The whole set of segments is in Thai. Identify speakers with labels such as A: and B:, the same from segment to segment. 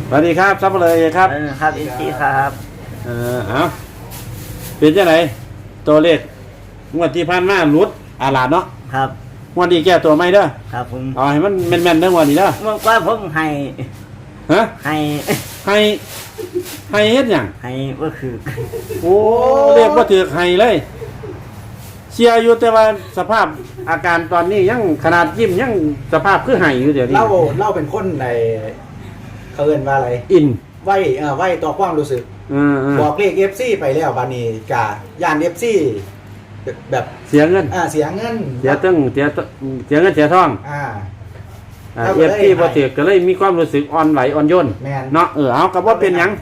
A: สวัสดีครับซับเลยครับ
B: ครับอินซีครับ
A: เอาเป็นยังไงตัวเลขงวดที่ผ่านมาหลุดอาลาดเนาะ
B: ครับ
A: งวดนี้แก้ตัวไม่เด้อ
B: ครับผม
A: เอาให้มันแม่นๆเด้องวดนี้เด้อ
B: เมื่อก่อนผมให้
A: ฮะ
B: ให้
A: เฮ็ดหยัง
B: ให้ก็คือ
A: โอ้เรียกว่าถือให้เลยเชียร์อยู่แต่ว่าสภาพอาการตอนนี้ยังขนาดยิ้มยังสภาพคือให้อยู่เดี๋ยวนี้
C: เล่าเป็นคนในเขาเอิ้นว่าอะไร
A: อิน
C: ไหวต่อความรู้สึกบอกเลข FC ไปแล้วบานี้กะย่าน FC แบบ
A: เสียเงิน
C: เสียเงิน
A: เสียเงินเสียทองFC บ่ถือก็เลยมีความรู้สึกอ่อนไหวอ่อนโยนเนาะเอาก็บ่เป็นหยัง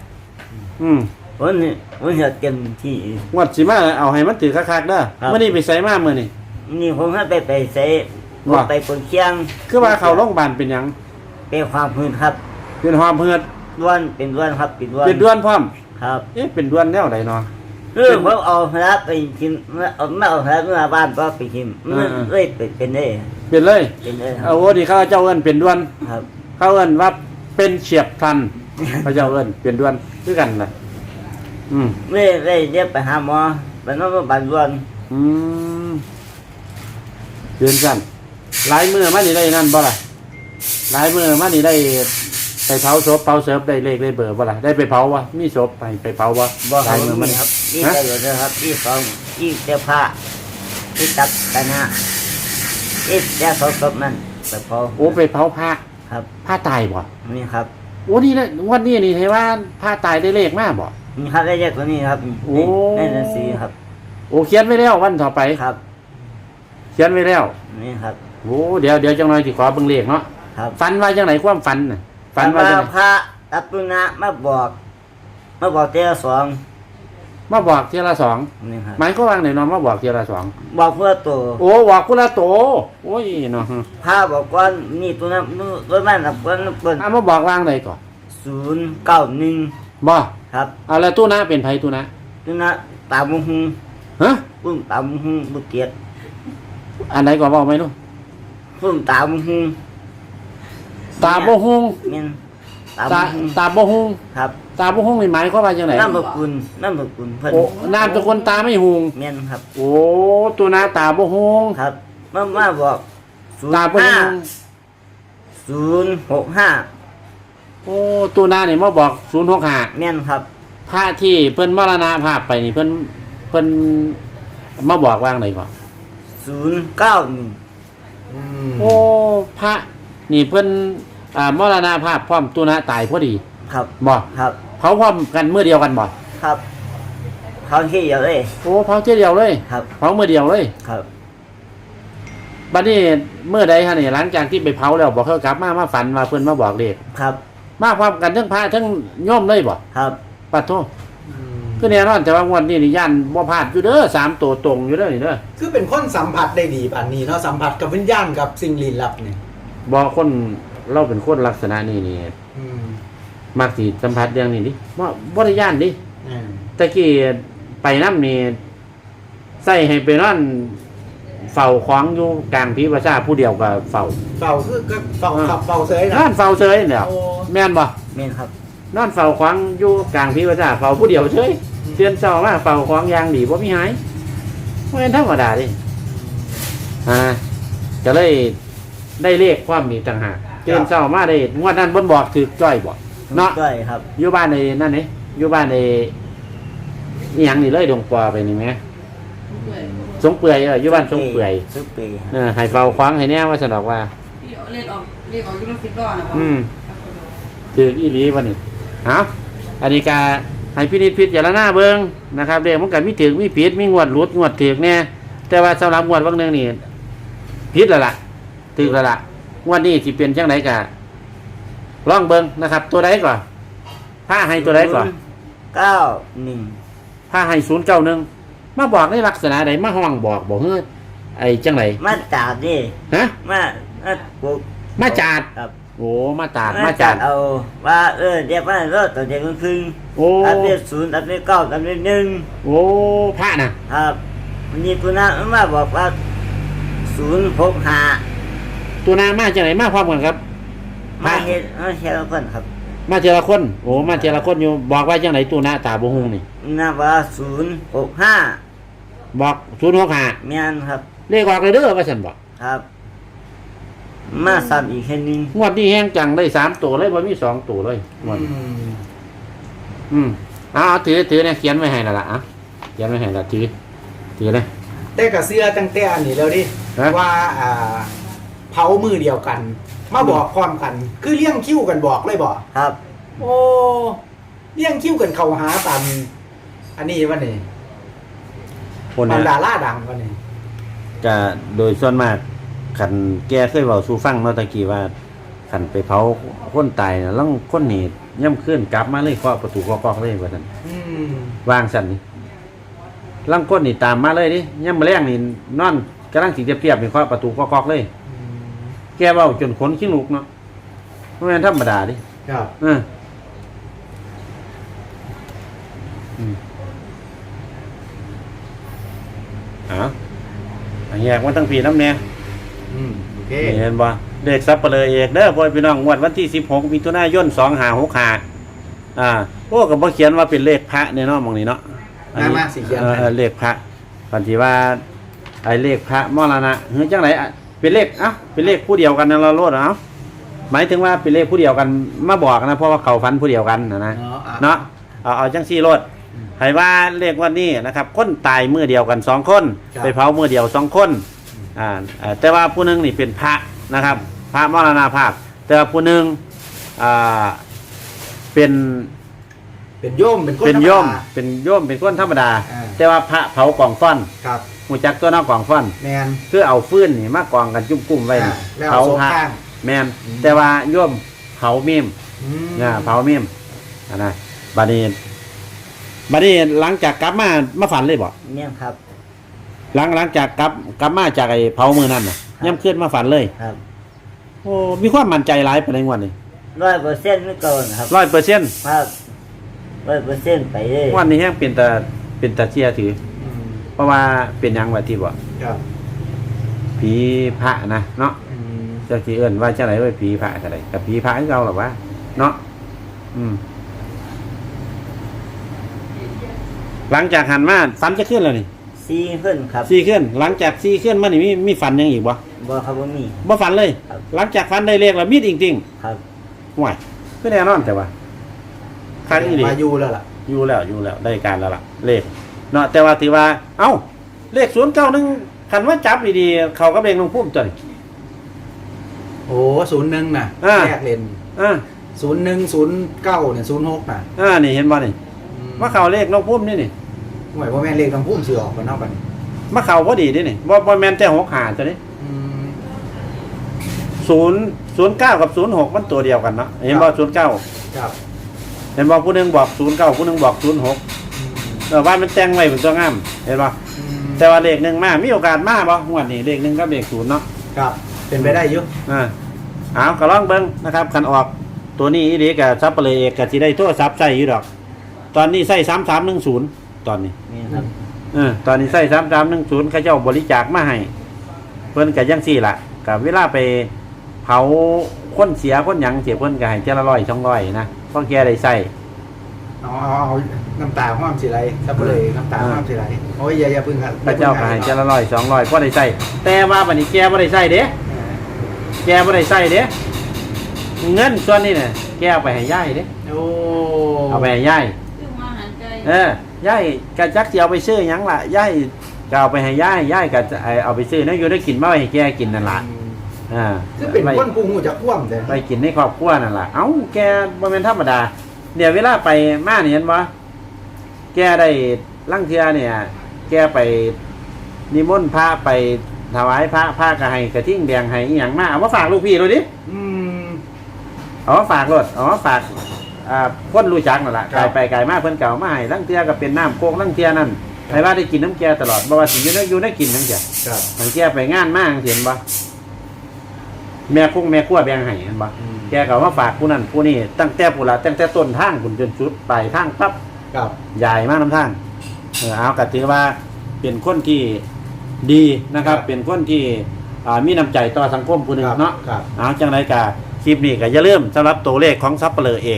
B: วันเฮ็ดเต็มที่
A: งวดสิมาเอาให้มันถือคักๆเด้อมื้อนี้ไปไสมามื้อนี้
B: นี่ผมให้ไปใส่ไปปนเชียง
A: คือว่าเข้าโรงพยาบาลเป็นหยัง
B: เป็นความพื้นครับ
A: เป็นความพื้น
B: ด้วนเป็นด้วนครับเป็น
A: ด้วนพร้อม
B: ครับ
A: เป็นด้วนแนวใดเนาะ
B: ผมเอารับไปกินไม่เอารับเมื่อบ้านก็ไปกินเลยเป็นได้
A: เป็นเลยโอ้ดีเขาเจ้าเอิ้นเป็นด้วน
B: ครับ
A: เขาเอิ้นว่าเป็นเฉียบพลันเขาเจ้าเอิ้นเป็นด้วนคือกันน่ะ
B: ไม่ได้เรียกไปหาหมอเป็นน้องบ้านด้วน
A: เดือนกันหลายมื้อมานี่ได้นั่นบ่ล่ะหลายมื้อมานี่ได้ไปเผาศพเผาเสิร์ฟได้เลขได้เบอร์บ่ล่ะได้ไปเผาวะมีศพไปเผาวะ
B: หลายมื้อมันครับนี่ได้อยู่นะครับที่2ที่เสื้อผ้าที่ตักกันนะที่แย่ศพนั่นไปเผา
A: โอ้ไปเผาผ้า
B: ครับ
A: ผ้าตายบ่
B: นี่ครับ
A: โอ้นี่แหละวันนี้นี่ให้ว่าผ้าตายได้เลขมากบ่
B: นี่ครับได้เลขตัวนี้ครับได้หนังสือครับ
A: โอ้เขียนไว้แล้ววันต่อไป
B: ครับ
A: เขียนไว้แล้ว
B: นี่ครับ
A: โอ้เดี๋ยวจังหน่อยสิขอเบิ่งเลขเนาะฝันว่าจังไหนความฝันน่ะ
B: ฝันว่าพระตัปปุณะมาบอกเทียละ2
A: มาบอกเทียละ2
B: นี่ครับ
A: หมายก็ว่าไหนเนาะมาบอกเทียละ2
B: บอกเพื่อโต
A: โอ้บอกเพื่อโตโอ้ยเนาะ
B: พระบอกก่อนนี่ตัวนั้นตัวนั้นน่ะเปิ้น
A: มาบอกวางไหนก่อน
B: 091
A: บ่
B: ครับ
A: เอาแล้วตู้นะเป็นไผตู้นะ
B: ตามุง
A: ฮะ
B: ปุ้มตามุงบุเตียด
A: อันไหนก่อนบอกไหมลูก
B: ปุ้มตามุง
A: ตาบ่ฮุง
B: แม่น
A: ตาบ่ฮุง
B: ครับ
A: ตาบ่ฮุงนี่หมายความว่าจังได๋
B: นามสกุลเพิ่น
A: โอ้นามสกุลตาไม่ฮุง
B: แม่นครับ
A: โอ้ตัวนาตาบ่ฮุง
B: ครับมาบอก
A: ตาบ่ฮุง
B: 065
A: โอ้ตัวนานี่มาบอก065
B: แม่นครับ
A: พระที่เพิ่นมรณภาพไปนี่เพิ่นมาบอกวางไหนก่อน
B: 091
A: โอ้พระนี่เพิ่นมรณภาพพร้อมตัวนาตายพอดี
B: ครับ
A: บ่
B: ครับ
A: เผาพร้อมกันมื้อเดียวกันบ่
B: ครับเผาทีเดียวเลย
A: โอ้เผาทีเดียวเลย
B: ครับ
A: เผามื้อเดียวเลย
B: ครับ
A: บัดนี้มื้อใดฮะนี่หลังจากที่ไปเผาแล้วบ่เขากลับมาฝันว่าเพิ่นมาบอกเลข
B: ครับ
A: มาพร้อมกันทั้งพระทั้งโยมเลยบ่
B: ครับ
A: ปัดโทคือแน่นอนแต่ว่างวดนี้นี่ย่านบ่พลาดอยู่เด้อ3ตัวตรงอยู่เด้อนี่เด้อ
C: คือเป็นคนสัมผัสได้ดีปานนี้เนาะสัมผัสกับวิญญาณกับสิ่งลี้ลับนี่
A: บ่คนเราเป็นคนลักษณะนี้นี่มักสิสัมผัสเรื่องนี้ดิบ่ได้ย่านดิแต่กี้ไปนำนี่ใส่ให้ไปนอนเฝ้าของอยู่กลางพิภาษาผู้เดียวก็เฝ้า
C: คือก็เฝ้าเฉยนะ
A: นอนเฝ้าเฉยเนี่ยแม่นบ่
B: แม่นครับ
A: นอนเฝ้าของอยู่กลางพิภาษาเฝ้าผู้เดียวเฉยเตือนเช้ามาเฝ้าของอย่างดีบ่มีหายบ่แม่นธรรมดาดิก็เลยได้เลขความมีต่างหากเตือนเช้ามาได้งวดนั้นบ่บอกถือจ้อยบ่เนาะ
B: จ้อยครับ
A: อยู่บ้านในนั่นนี่อยู่บ้านในอีหยังนี่เลยดงปอไปนี่แหมสงเปื่อยอยู่บ้านสงเปื่อยให้เฝ้าขวางให้แน่ว่าสนอกว่า
D: เรียกออกอยู่ในฟิตก่อนนะ
A: ถืออีหลีวันนี้อันนี้ก็ให้พินิจพิจารณาเบิ่งนะครับเรื่องมันก็มีถึงมีผิดมีงวดหลุดงวดถึกแน่แต่ว่าสำหรับงวดบางนึงนี่ผิดแล้วล่ะถึกแล้วล่ะงวดนี้สิเป็นจังได๋ก็ลองเบิ่งนะครับตัวใดก่อนถ้าให้ตัวใดก่อน
B: 91
A: ถ้าให้091มาบอกในลักษณะใดมาห้องบอกเฮ้ยไอ้จังได๋
B: มาจาดนี่
A: ฮะมาจาด
B: ครับ
A: โอ้มาจาด
B: เอาว่าเดี๋ยวว่ารถตัวเด็กมันพึ่งอันนี้0อันนี้9อันนี้1
A: โอ้พระน่ะ
B: ครับวันนี้ตัวนั้นมาบอกว่า065
A: ตัวนามาจังได๋มาพร้อมกันครับ
B: มาเฮ็ดเพิ่นครับ
A: มาเทละคนโอ้มาเทละคนอยู่บอกว่าจังไหนตู้หน้าตาบ่ฮู้นี่
B: นับว่า065
A: บอก065
B: แม่นครับ
A: เลขออกเลยเด้อว่าซั่นบอก
B: ครับ มาซ้ำอีกแค่นึง
A: งวดนี้แฮงจังได้3ตัวเลยบ่มี2ตัวเลยงวดนี้เอาถือเนี่ยเขียนไว้ให้แล้วล่ะเขียนไว้ให้แล้วถือเลย
C: แต่กับเสื้อตั้งแต่อันนี้แล้วดิ
A: ฮะ
C: ว่าเผามือเดียวกัน มาบอกพร้อมกัน คือเลี้ยงคิ้วกันบอกเลยบอก
B: ครับ
C: โอ้เลี้ยงคิ้วกันเข้าหาตามอันนี้วันนี้
A: คน
C: ตาม
A: เนี่ย
C: ดาราดังวันนี้
A: ก็โดยส่วนมากคันแกเคยเว้าสู่ฟังเนาะตะกี้ว่าคันไปเผาคนตายน่ะลังคนนี่ย่ำขึ้นกลับมาเลยเคาะประตูเคาะกอกเลยว่าซั่น
C: อืม
A: วางซั่นนี่ลังคนนี่ตามมาเลยดิย่ำมื้อแรงนี่นอนกำลังสิจะเปรียบนี่เคาะประตูเคาะกอกเลย แกเว้าจนขนขี้ลุกเนาะบ่แม่นธรรมดาดิ
C: ครับ
A: แยกมันตั้งปีน้ำแน่
C: โอเค
A: เห็นบ่เลขซับเปลือเอกเด้อพ่อพี่น้องงวดวันที่16มิถุนายน2565โอ้ก็บ่เขียนว่าเป็นเลขพระเนี่ยเนาะหม่องนี้เนาะ
C: มาสีเขียน
A: เลขพระปันสิว่าไอ้เลขพระมรณะเฮ้ยจังไดเป็นเลขเป็นเลขผู้เดียวกันนั่นละโลดหมายถึงว่าเป็นเลขผู้เดียวกันมาบอกนะเพราะว่าเขาฟันผู้เดียวกันนะเนาะเอาจังซี่โลดให้ว่าเลขวันนี้นะครับคนตายมื้อเดียวกัน2คนไปเผามื้อเดียว2คนแต่ว่าผู้หนึงนี่เป็นพระนะครับพระมรณภาพแต่ว่าผู้หนึงเป็นโยมเป็นคนธรรมดาแต่ว่าพระเผากองฟ้อน
C: ครับ
A: หูจักตัวน้ากองฟ้อน
C: แมน
A: คือเอาฟืนนี่มากองกันจุ่มๆไว้
C: แล้ว
A: เผา
C: โซ่
A: พระ
C: ข้าง
A: แมนแต่ว่าโยมเผาเมม เผาเมมนะบัดนี้หลังจากกลับมาฝันเลยบ่
B: เนี่ยครับ
A: หลังจากกลับมาจากไอ้เผามือนั่นน่ะย่ำขึ้นมาฝันเลย
B: ครับ
A: โอ้มีความมั่นใจหลายปานใดงวดนี้
B: 100%ไม่เกินครับ
A: 100%
B: ครับ100%ไปเลย
A: งวดนี้แฮงเป็นตาเชียถือ เพราะว่าเป็นหยังว่าที่บ่
C: ครับ
A: ผีพระนะเนาะเจ้าที่เอิ้นว่าจังได๋ว่าผีพระจังได๋กับผีพระคือเก่าหรอวะเนาะหลังจากหันมาฝันจะขึ้นแล้วนี่
B: 4ขึ้นครับ
A: 4ขึ้นหลังจาก4ขึ้นมานี่มีฝันยังอีกบ่
B: บ่ครับบ่มี
A: บ่ฝันเลย
B: ครับ
A: หลังจากฝันได้เลขแล้วมีจริง
B: ครับ
A: ๆห่วยคือแน่นอนแต่ว่าคักอีหลี
C: มาอยู่แล้วล่ะ
A: อยู่แล้วได้การแล้วล่ะเลขเนาะแต่ว่าที่ว่าเลข091คันว่าจับดีๆเขาก็เบ่งลงพุ่มตัวนี้
C: โอ้01น่ะแยกเลน 0109เนี่ย06น่ะ
A: นี่เห็นบ่นี่ว่าเขาเลขลงพุ่มนี่
C: หวยว่าแม่นเลขต้องพุ่มสิออกกันเนาะบัดนี้
A: มาเข้าพอดีนี่บ่แม่นแต่65ตัวนี้09กับ06มันตัวเดียวกันเนาะเห็นบ่09
C: ครับ
A: เห็นบ่ผู้หนึงบอก09ผู้หนึงบอก06ว่ามันแต่งไว้เป็นตัวงามเห็นบ่แต่ว่าเลข1มามีโอกาสมาบ่งวดนี้เลข1กับเลข0เนาะ
C: ครับเป็นไปได้อยู่
A: ก็ลองเบิ่งนะครับคันออกตัวนี้อีหลีก็ซับเปลยเอกก็สิได้โทรศัพท์ใช้อยู่ดอกตอนนี้ใช้3310ตอนนี้
B: นี่ครับ
A: ตอนนี้ใช้3310เขาเจ้าบริจาคมาให้เพิ่นก็จังซี่ล่ะก็เวลาไปเผาคนเสียคนหยังเสียเพิ่นก็ให้เจ้าละ100 200นะเพราะแกได้ใช้
C: เอาน้ำตาห้อมสิไรซับเลยน้ำตาห้อมสิไรโอ้ยอย่าพึ่งครับ
A: พระเจ้าก็ให้เจ้าละ100 200พอได้ใช้แต่ว่าบัดนี้แกบ่ได้ใช้เด้แกบ่ได้ใช้เด้เงินส่วนนี้น่ะแกเอาไปให้ยายเด้
C: โอ้
A: เอาไปให้ยาย
D: ซื้อมาหันใจ
A: ยายกะจักสิเอาไปซื้อหยังล่ะยายก็เอาไปให้ยายก็เอาไปซื้อนะอยู่ได้กินมาให้แกกินนั่นล่ะ
C: คือเป็นคนกูหูจะคว่ำแต่
A: ไปกินในครอบครัวนั่นล่ะเอ้าแกบ่แม่นธรรมดาเดี๋ยวเวลาไปมานี่เห็นบ่แกได้ลังเทื่อเนี่ยแกไปนิมนต์พระไปถวายพระก็ให้กระทิ่งแดงให้อีหยังมาเอามาฝากลูกพี่ดูดิเอามาฝากรถเอามาฝากคนรู้จักนั่นแหละไกลไปไกลมาเพิ่นเก่ามาให้ลังเทียก็เป็นน้ำโคกลังเทียนั่นให้ว่าได้กินน้ำแกตลอดบ่ว่าสิอยู่ได้กินจังซี่มันแกไปงานมาจังซี่เห็นบ่แม่คงแม่ครัวแบ่งให้เห็นบ่แกก็มาฝากผู้นั้นผู้นี้ตั้งแต่ผู้ละตั้งแต่ต้นทางพุ่นจนสุดปลายทางปั๊บ
C: ครับ
A: ใหญ่มากน้ำทางเอาก็ถือว่าเป็นคนที่ดีนะครับเป็นคนที่มีน้ำใจต่อสังคมผู้นึงเนาะเอาจังได๋ก็คลิปนี้ก็อย่าลืมสำหรับตัวเลขของซับเปลือเอก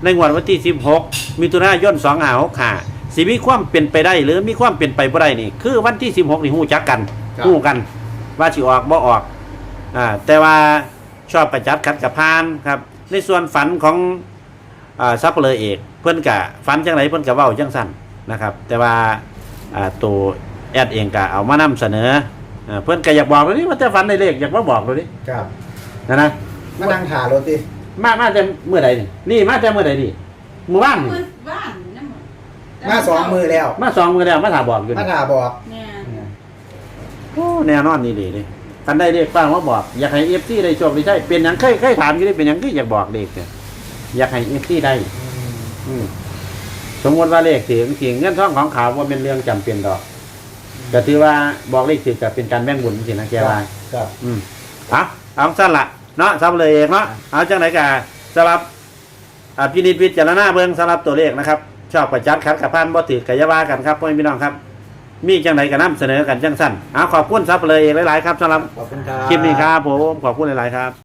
A: ในงวดวันที่16มิถุนายน2565สิมีความเป็นไปได้หรือมีความเป็นไปบ่ได้นี่คือวันที่16นี่ฮู้จักกันฮู้กันว่าสิออกบ่ออกแต่ว่าชอบประจัดขัดกับพานครับในส่วนฝันของซับเปลือเอกเพิ่นกะฝันจังไหนเพิ่นกะเว้าจังสั่นนะครับแต่ว่าตัวแอดเองกะเอามานำเสนอเพิ่นกะอยากบอกเลยนี่ว่าแต่ฝันในเลขอยากมาบอกเลยนี่
C: ครับ
A: นะ
C: มานั่งถ่ารถดิ
A: มาแต่เมื่อใดนี่มาแต่เมื่อใดนี่เมื่อวานนี่
D: บ้านนั่นหมด
C: มาสองมือแล้ว
A: มา2มื้อแล้วมาถามบอกอยู่
C: มา
A: นี่
C: ถ่าบอก
D: เนี่ย
A: โอ้แน่นอนนี่ดีเลยคันได้เลขฟังมาบอกอยากให้ FC ได้โชคได้ใช่เป็นหยังเคยถามอยู่ได้เป็นหยังคืออยากบอกเลขเนี่ยอยากให้ FC ได้สมมติว่าเลขถึงเงินทองของเขาว่าเป็นเรื่องจำเป็นดอกก็ถือว่าบอกเลขถึงจะเป็นการแบ่งบุญสินะแกว่า
C: ครับ
A: เอาสั้นละเนาะซับเลยเองเนาะเอาจังไหนกะสำหรับพินิจพิจารณาเบิ่งสำหรับตัวเลขนะครับชอบประจัดคัดกับพานบ่ถือกายว่ากันครับพ่อพี่น้องครับมีจังไหนก็นำเสนอกันจังสั้นขอบคุณซับเลยเองหลายๆครับสำหรับ
C: ขอบคุณครับ
A: คลิปนี้ครับผมขอบคุณหลายๆครับ